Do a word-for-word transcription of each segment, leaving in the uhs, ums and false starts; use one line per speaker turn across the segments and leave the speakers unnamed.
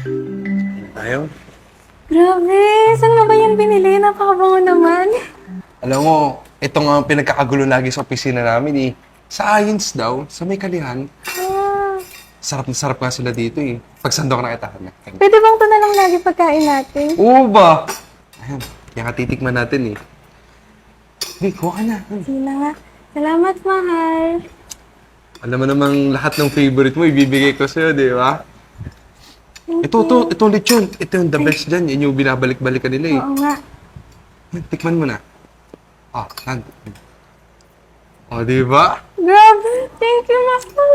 Ayaw?
Grabe, saan mo ba yan binili? Napakabango naman.
Alam mo, ito nga ang pinagkakagulo lagi sa opisina namin eh. Sa Ayins daw, sa may kalihan,
Ah,
sarap na sarap nga sila dito eh. Pagsando ka na kita, hanap.
pwede bang ito na lang lagi pagkain natin?
Oo ba? Ayan, kaya ka titikman natin eh. Hey, kuha ka na.
Sige na nga. Salamat, mahal.
Alam mo namang lahat ng favorite mo, ibibigay ko sa'yo, di ba?
Thank
Ito, ito,
you.
ito lechon. Ito yung the best dyan. Yan yung binabalik-balikan nila eh.
Oo nga.
Tikman mo na. Ah, nan. O, di ba?
Grabe, thank you, mahal.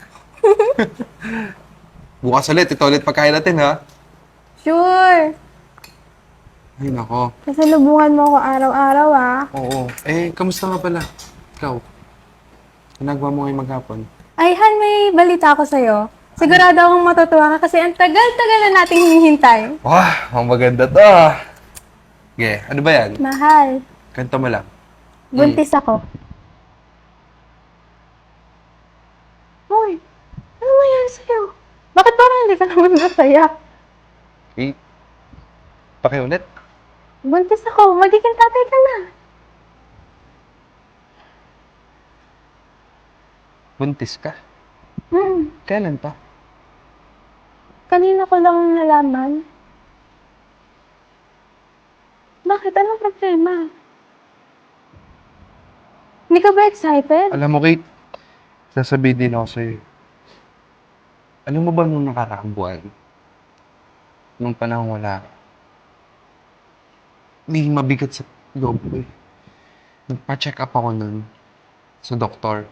Bukas ulit. Ito ulit pagkain natin, ha?
Sure.
Ay, nako.
Kasalubungan mo ako araw-araw, ah.
Oo. Eh, kamusta nga pala? Ikaw? Ginagawa mo ngayong maghapon?
Ay, Han, may balita ako sa'yo. Sigurado akong matutuwa ka kasi ang tagal-tagal na nating hinihintay.
Wah, ang maganda to, ah. Okay, ano ba yan?
Mahal,
Kanta mo lang.
buntis ako. Hoy, ano nangyari sa'yo? Bakit parang hindi ka naman masaya?
Eh, pakiulit.
Buntis ako, magiging tatay ka na.
Buntis ka?
Hmm,
Kailan pa?
kanina ko lang nalaman. Bakit? Anong problema? Hindi ka ba excited?
Alam mo, Kate, sasabihin din ako sa'yo. Alam mo ba nung nakaraang buwan, nung panahon wala ka, may mabigat sa loob ko eh. Nagpa-check up ako nun sa doktor.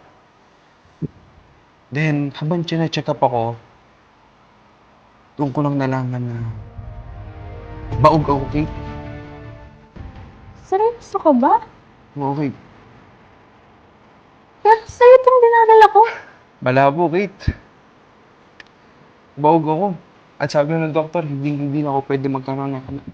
Then, habang chine-check up ako, doon ko lang nalaman na baog ako, Kate.
Seryoso ka ba?
Oo, Kate.
Pero sa'yo itong dinadala ko.
Malabo, Kate. Baog ako. At sabi ng doktor, hindi, hindi na ako pwede magkaroon ng anak.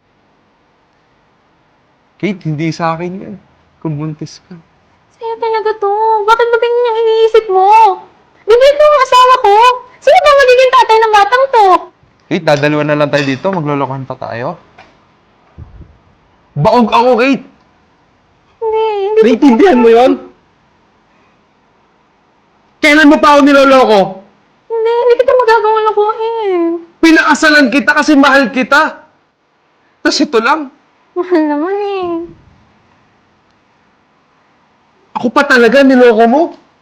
Kate, hindi sa akin yan. Kung buntis ka.
Sa'yo talaga to. Bakit ba ganyan yung iniisip mo? Bibig ko ang asawa ko. Sino ba magiging tatay ng batang to?
Kate, dadalawa na lang tayo dito. Maglolokohan pa tayo. Baog ako, Kate!
Hindi, hindi.
Naintindihan mo yon? Kailan mo pa ako niloloko?
Hindi, hindi kita magagawang lakuin.
Pinakasalan kita kasi mahal kita. Tapos ito lang.
Mahal naman eh.
Ako pa talaga niloko mo.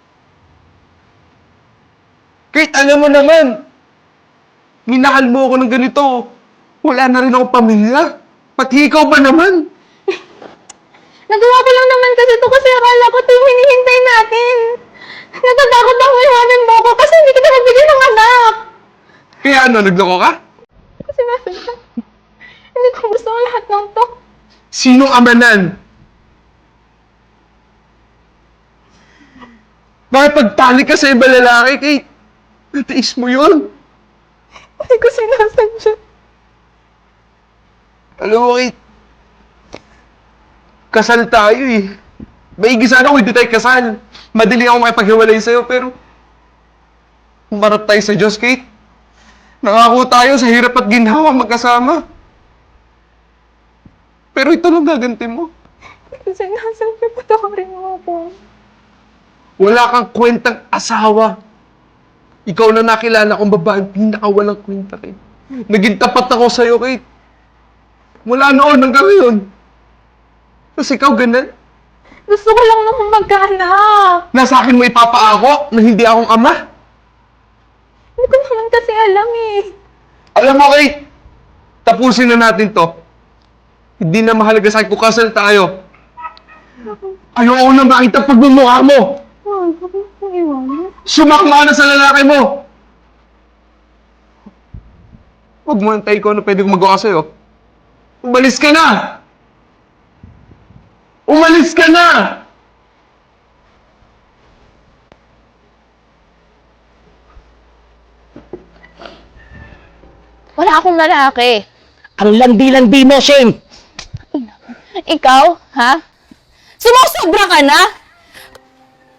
Kate, alam mo naman. Minahal mo ako ng ganito. Wala na rin ako pamilya. Pati ikaw ba naman?
Nagawa ko lang naman kasi to kasi akala ko ito yung hinihintay natin. Natatakot ako iwanan mo ako kasi hindi kita magbigay ng anak.
Kaya ano, nagloko ka?
Kasi bakit ka? Hindi ko gusto ang lahat ng to.
Sinong amanan? Bakit pagtalik ka sa iba lalaki, Kate? Natiis mo yun.
Hindi ko sinasadya.
Alam mo, Kate, kasal tayo eh. Maigi sana kung hindi tayo kasal. Madali ako makipaghiwalay sa'yo, pero humarap tayo sa Diyos, Kate. Nangako tayo sa hirap at ginhawa magkasama. Pero ito lang gaganti mo.
Hindi ko sinasadya. Patawarin mo ako.
Wala kang kwentang asawa. Ikaw na nakilala kong babaeng pinakawalang kwenta, Kate. Naging tapat ako sa'yo, Kate. Mula noon hanggang ngayon. Tapos ikaw ganun.
Gusto ko lang naman magkaanak.
Nasa akin mo ipapaako na hindi akong ama.
Hindi ko naman kasi alam eh.
Alam mo, Kate, tapusin na natin to. Hindi na mahalaga sa akin kung kasal tayo. Ayoko na makita pagmumukha mo.
Wag, huwag mo akong iwanan.
Sumakma na sa lalaki mo. Huwag mo antay ko ano pwede kong magawa sa'yo. Umalis ka na! Umalis ka na!
Wala akong lalaki.
Ang landi-landi mo, Shane!
Ikaw, ha? Sumusobra ka na?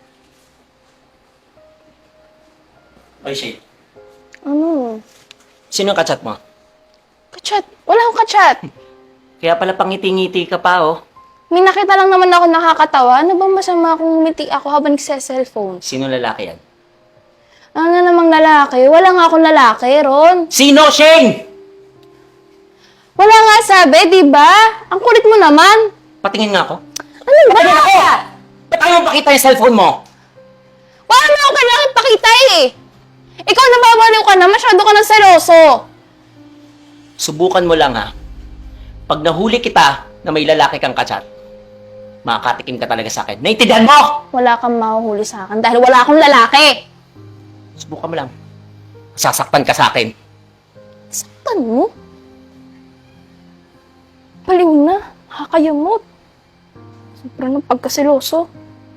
Oy, Shane.
Ano?
Sino ang kachat mo?
Kachat. Wala akong kachat.
Kaya pala pangiti-ngiti ka pa, oh.
May nakita lang naman ako nakakatawa. Ano bang masama kung ngumiti ako habang nagse-cellphone?
Sino lalaki yan?
Ano na namang lalaki? Wala nga akong lalaki, Ron.
Sino, Shane?
Wala nga sabi, di ba? Ang kulit mo naman.
Patingin nga ako.
Ano ba?
Patingin ako! Ba't ayaw mo pakita yung cellphone mo?
Wala naman akong kailangan pakita eh. Ikaw nababaliw ka na, masyado ka ng seloso.
Subukan mo lang, ha? Pag nahuli kita na may lalaki kang kachat, makakatikim ka talaga sa akin. Naintindihan mo!
Wala kang mahuhuli sa akin dahil wala akong lalaki.
Subukan mo lang. Sasaktan ka sa akin.
Saktan mo? Baliw na. Nakakayamot. Sobrang ng pagkaseloso.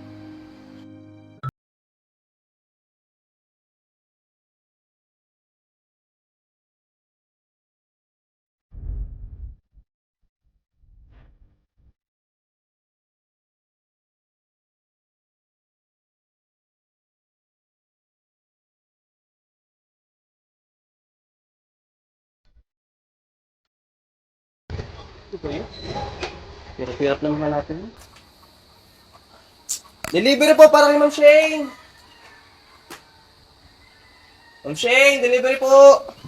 Hirap-hirap naman natin. Delivery po para kay Ma'am Shane! Ma'am Shane, delivery po!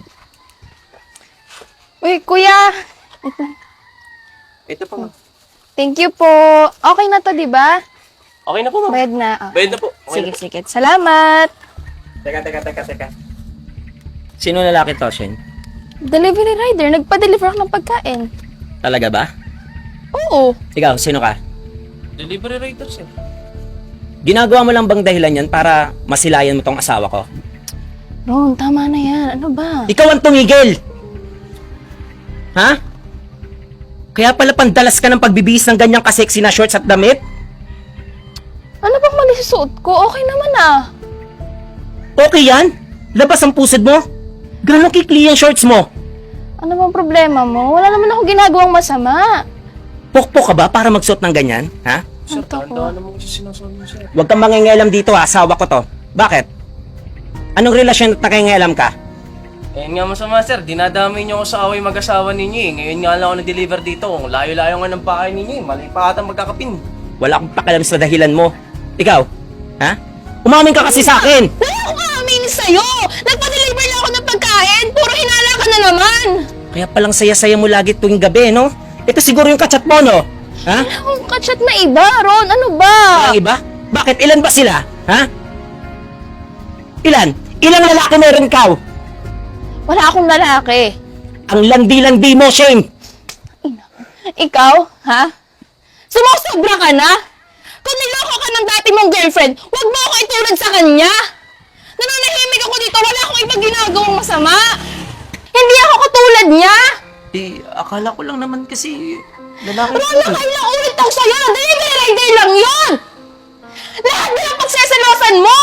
Uy, kuya.
Ito po, ma'am.
Thank you po. Okay na to, di ba?
Okay na po, ma'am.
Bayad na. Okay.
Bayad na po. Okay
Sige,
na po.
sige. Salamat.
Teka, teka, teka, teka.
Sino lalaki to, Shane?
Delivery rider. Nagpa-deliver ako ng pagkain.
Talaga ba?
Oo.
Ikaw, sino ka?
Delivery rider, sir.
Ginagawa mo lang bang dahilan yan para masilayan mo tong asawa ko?
Ron, tama na yan. Ano ba?
Ikaw ang tumigil! Ha? Kaya pala pandalas ka ng pagbibihis ng ganyang kaseksi na shorts at damit?
Ano bang mali sa suot ko? Okay naman ah.
Okay yan? Labas ang pusod mo? Gano'ng kikli ang shorts mo?
Ano bang problema mo? Wala naman ako ginagawang masama.
Pokpok ka ba para magsuot ng ganyan? Ha?
Sir,
Ito ko.
tandaan naman kasi sinasabi mo, sir.
Huwag kang mangingialam dito ha, asawa ko to. Bakit? Anong relasyon at nakingialam ka?
Ayun nga masama, sir. Dinadamay niyo ako sa away mag-asawa ninyo eh. Ngayon nga lang ako nag-deliver dito. Ang layo-layo nga ng bahay ninyo eh. Mali pa atang magkakapin.
Wala akong pakialam sa dahilan mo. Ikaw? Ha? Umamin ka kasi sa akin!
Wala akong aaminin sa'yo! Nagpa-deliver lang ako ng pagkain! Puro hinala ka na naman!
Kaya palang saya-saya mo lagi tuwing gabi, no? Ito siguro yung kachat mo, no? Ha?
Wala akong kachat na iba, Ron. Ano ba?
Ang iba? Bakit? Ilan ba sila? Ha? Ilan? Ilang lalaki meron ikaw?
Wala akong lalaki.
Ang landi-landi mo, Shane!
Ikaw, ha? Sumusobra ka na? Kung niloko ka ng dati mong girlfriend, huwag mo ako itulad sa kanya! Nananahimik ako dito, wala akong ibang ginagawang masama! Hindi ako katulad niya!
Eh, akala ko lang naman kasi lalaki
Ron, nakailang ulit ako sa'yo! Delivery rider lang yun! Lahat na ng pagsesalosan mo!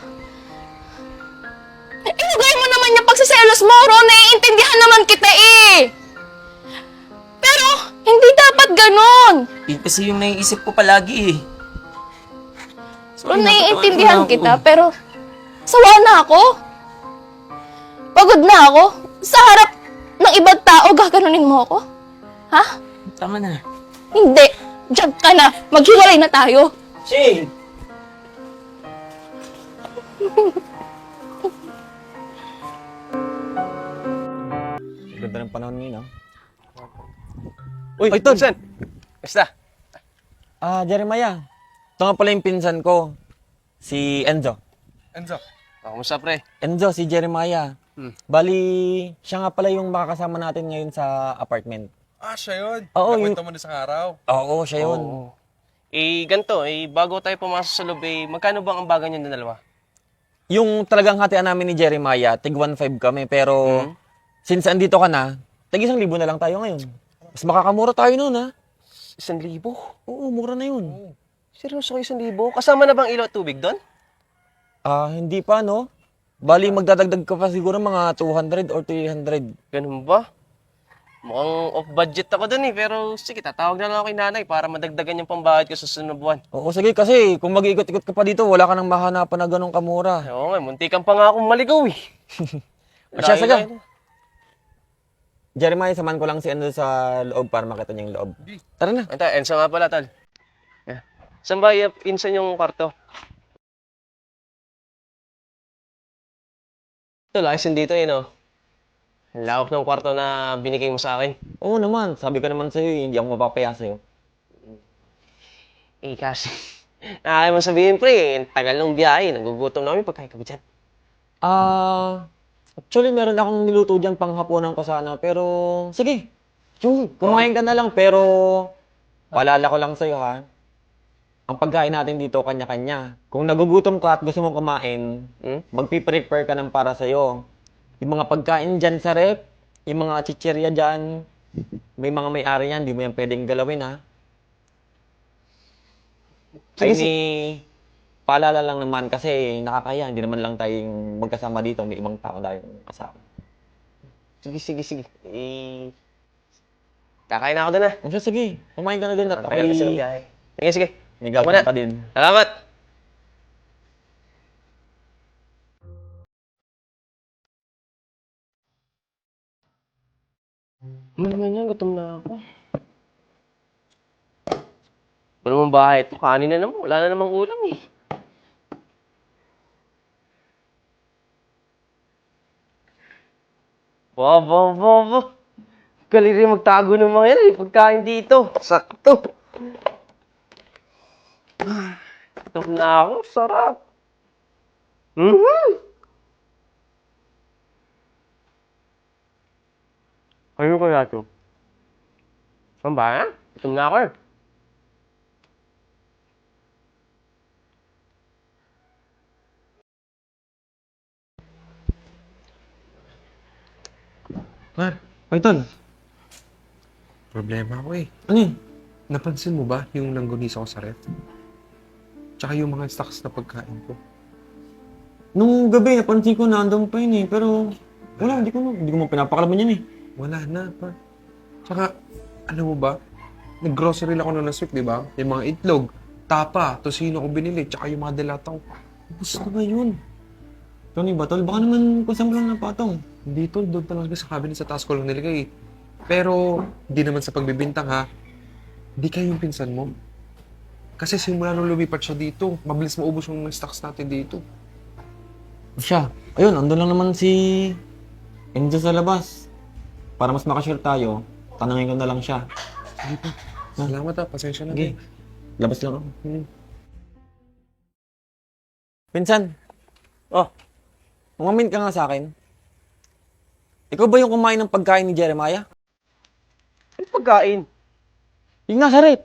Ilagay mo naman yung pagsiselos mo, Ron. Naiintindihan naman kita eh! Pero, hindi dapat ganon!
Eh, kasi yung naiisip ko palagi eh.
Ron, naiintindihan kita, pero sawa na ako. Pagod na ako. Sa harap ng ibang tao, gaganunin mo ako? Ha?
Tama na.
Hindi. Diyan ka na. Maghiwalay na tayo.
Shane!
Ganda ng panahon ngayon, ah.
Uy,
Ay, Ton!
Sen! Basta.
Ah, Jeremiah. Ito nga pala yung pinsan ko. Si Enzo.
Enzo. Oh, kumusta, pre?
Enzo, si Jeremiah.
Hmm.
Bali, siya nga pala yung makakasama natin ngayon sa apartment.
Ah, siya yun.
Oo,
Nakwento
yung-
mo na sa araw.
Oo, siya yun.
Oo. Eh, ganito, eh, bago tayo pumasok sa loob, eh, magkano bang ang bagan niyo na dalawa?
Yung talagang hatian namin ni Jeremiah, tig one five kami. Pero,
Hmm.
since andito ka na, tig isang libo na lang tayo ngayon. Mas makakamura tayo nun, ha?
Isang libo?
Oo, mura na yun.
Seryoso kayo, isang libo? Kasama na bang ilaw at tubig doon?
Ah, hindi pa, no? Bali, magdadagdag ka pa siguro mga two hundred or three hundred.
Ganun ba? Mukhang off-budget ako dun eh, pero sige, tatawag na lang ako kay nanay para madagdagan yung pambayad ko sa sunod na buwan.
Oo, sige, kasi kung mag-iikot-ikot ka pa dito, wala ka nang mahanapan na ganong kamura.
Oo nga, munti kang pa nga akong maligaw eh.
Asya, sige.
Layo-layo.
Jeremiah, samahan ko lang si Enzo sa loob para makita niya yung loob. Tara na.
Ito, Enzo nga pala, tol. Yeah. Saan ba yung pinsan yung kwarto? Tol, ayos din dito eh, no? Ang lawak ng kwarto na binigay mo sa akin.
Oo naman, sabi ko naman sa'yo, eh, hindi ako mapapaya sa'yo.
Eh, kasi, nakakaya mo sabihin, pre, eh, tagal ng biyahe, nagugutom na kami pagkain ka ba dyan?
Ah, actually meron akong niluto dyan panghapunan ko sana, pero sige. Yung, kumain ka na lang, pero paalala ko lang sa'yo ha. Ang pagkain natin dito, kanya-kanya. Kung nagugutom ka at gusto mong kumain,
Hmm?
magpiprepare ka ng para sa'yo. Yung mga pagkain dyan sa rep, yung mga chichirya dyan, may mga may-ari yan, di mo yan pwedeng galawin ha. Ay ni, paalala lang naman kasi nakakaya, hindi naman lang tayong magkasama dito, may ibang tao tayong kasama.
Sige, sige, sige. Eh, kakain na ako doon ah.
O siya, sige, kumain ka na din at
Tagal kasi ng
ako'y
biyahe. Sige, sige.
may
Ako na.
gagawin pa din.
Salamat! Ano naman yan? Gutom na ako. Ano naman bahay ito? Kanin na naman. Wala na namang ulam eh. Wow, wow, wow, wow. Galing rin magtago ng mga yan eh. Pagkain dito. Sakto. Ah, gutom na ako. Sarap. Mm-hmm. Ano kaya ito? Saan ba? Gutom na ako eh.
Mar,
Ay, tol,
problema ako eh.
ano yun?
Napansin mo ba yung langgonisa ko sa ref? Tsaka yung mga stocks na pagkain ko.
Nung gabi, napansin ko na andun pa yun eh, pero wala, hindi ko, hindi ko mo pinapakalaman yan eh.
Wala na pa. Tsaka, alam mo ba? Nag-grocery lang ako na last week, di ba? Yung mga itlog, tapa, tosino ko binili, tsaka yung mga delata ko.
Gusto ko ba yun? Tony ba, tol? Baka naman kung saan mo lang napatong.
Hindi tol, doon talaga sa cabinet sa taas ko lang nilagay. Pero, hindi naman sa pagbibintang ha. Hindi kayo yung pinsan mo. Kasi simula nung lumipat siya dito, mabilis maubos yung mga stocks natin dito.
Siya, ayun, andun lang naman si Enzo sa labas. Para mas makashare tayo, tanungin ko na lang siya.
Sige pa. Salamat ha, pasensya na.
Okay, labas lang ako.
Hmm.
Pinsan,
Oh,
umamin ka nga sa akin. Ikaw ba yung kumain ng pagkain ni Jeremiah?
ano pagkain?
Yung nasa rep.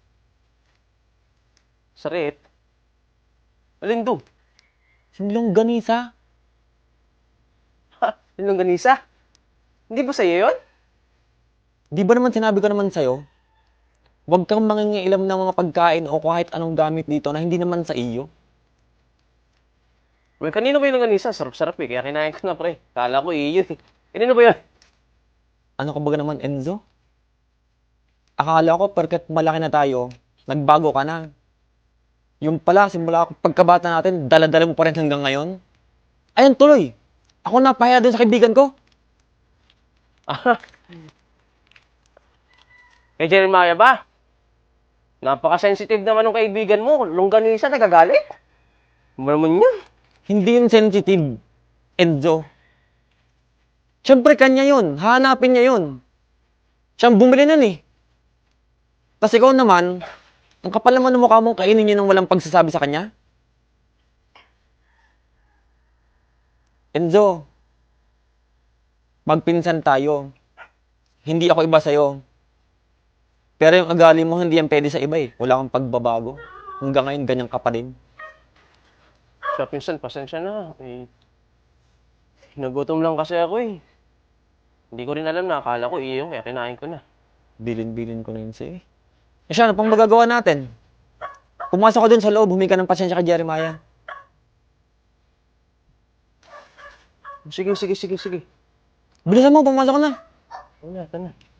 Sa rep? Alin doon?
Sinilong ganisa.
Ha? Yung ganisa? Hindi ba sa'yo yun?
Di ba naman sinabi ko naman sa'yo, huwag kang mangingialam ng mga pagkain o kahit anong gamit dito na hindi naman sa iyo.
Well, kanino ba yung ganisa? Sarap-sarap eh. Kaya kinain ko na pre. Kala ko iyo eh. Kanino ba yun?
Ano ka ba naman, Enzo? Akala ko, perket malaki na tayo, nagbago ka na. Yung pala, simula pagkabata natin, dala-dala mo pa rin hanggang ngayon. Ayun, tuloy. Ako napahiya dun sa kaibigan ko.
Ah. Kay Jeremiah ba? Napaka-sensitive naman ng kaibigan mo. Longganisa, nagagalit. Ano naman yun?
Hindi yun sensitive, Enzo. Siyempre, kanya yun. Hahanapin niya yun. Siyang bumili nun eh. Tapos ikaw naman, ang kapal naman ng mukha mong kainin niya nang walang pagsasabi sa kanya. Enzo, magpinsan tayo. Hindi ako iba sa'yo. Pero yung ugali mo, hindi yan pwede sa iba eh. Wala kang pagbabago. Hanggang ngayon, ganyan ka pa rin.
Siya, pinsan, pasensya na. Eh, nagutom lang kasi ako eh. Hindi ko rin alam na. Akala ko iyo, kaya kinain ko na.
Bilin-bilin ko na yun sa'yo eh. Eh siya, ano pang magagawa natin? Pumasok ko dun sa loob, humingi ka ng pasensya kay Jeremiah.
Sige, sige, sige, sige.
Bilisan mo, pumasok ka na.
Ano na, ito na.